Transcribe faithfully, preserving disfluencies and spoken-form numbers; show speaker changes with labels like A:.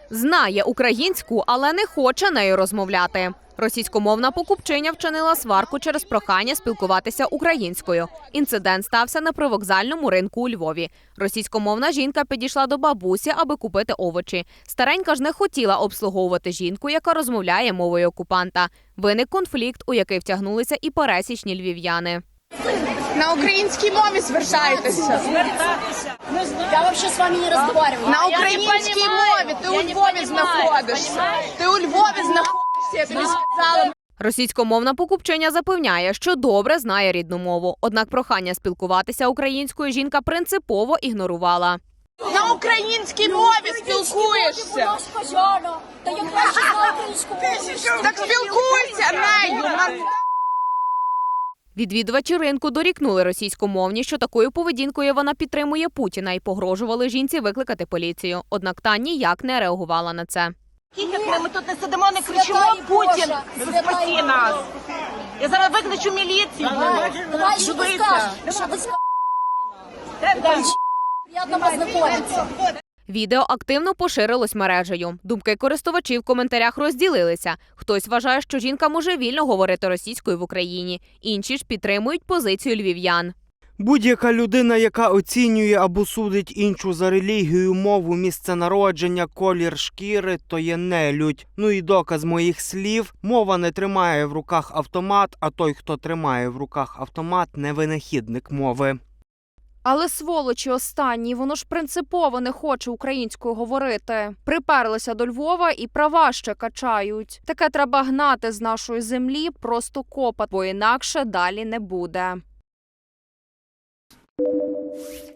A: Знає українську, але не хоче нею розмовляти. Російськомовна покупчиня вчинила сварку через прохання спілкуватися українською. Інцидент стався на привокзальному ринку у Львові. Російськомовна жінка підійшла до бабусі, аби купити овочі. Старенька ж не хотіла обслуговувати жінку, яка розмовляє мовою окупанта. Виник конфлікт, у який втягнулися і пересічні львів'яни.
B: На українській мові звертайтеся.
C: Я взагалі з вами не розмовляю.
B: На українській мові. Ти у Львові знаходишся. Ти у Львові знаходишся, я тобі сказала.
A: Російськомовна покупчиня запевняє, що добре знає рідну мову. Однак прохання спілкуватися українською жінка принципово ігнорувала.
B: На українській мові спілкуєшся.
C: Та я краще знаю українську мову.
B: Так спілкуйся нею.
A: Відвідувачі ринку дорікнули російськомовні, що такою поведінкою вона підтримує Путіна і погрожували жінці викликати поліцію. Однак та ніяк не реагувала на це.
D: Як ми тут не сидимо, не кричимо, Путін, спаси нас. Я зараз викличу міліцію.
C: Давай, що ви скажете? Що ви скажете? Приємно познайомитися.
A: Відео активно поширилось мережею. Думки користувачів в коментарях розділилися. Хтось вважає, що жінка може вільно говорити російською в Україні. Інші ж підтримують позицію львів'ян.
E: Будь-яка людина, яка оцінює або судить іншу за релігію, мову, місце народження, колір шкіри, то є нелюдь. Ну і доказ моїх слів – мова не тримає в руках автомат, а той, хто тримає в руках автомат – не винахідник мови.
F: Але сволочі останні, воно ж принципово не хоче українською говорити. Приперлися до Львова і права ще качають. Таке треба гнати з нашої землі, просто копати, бо інакше далі не буде.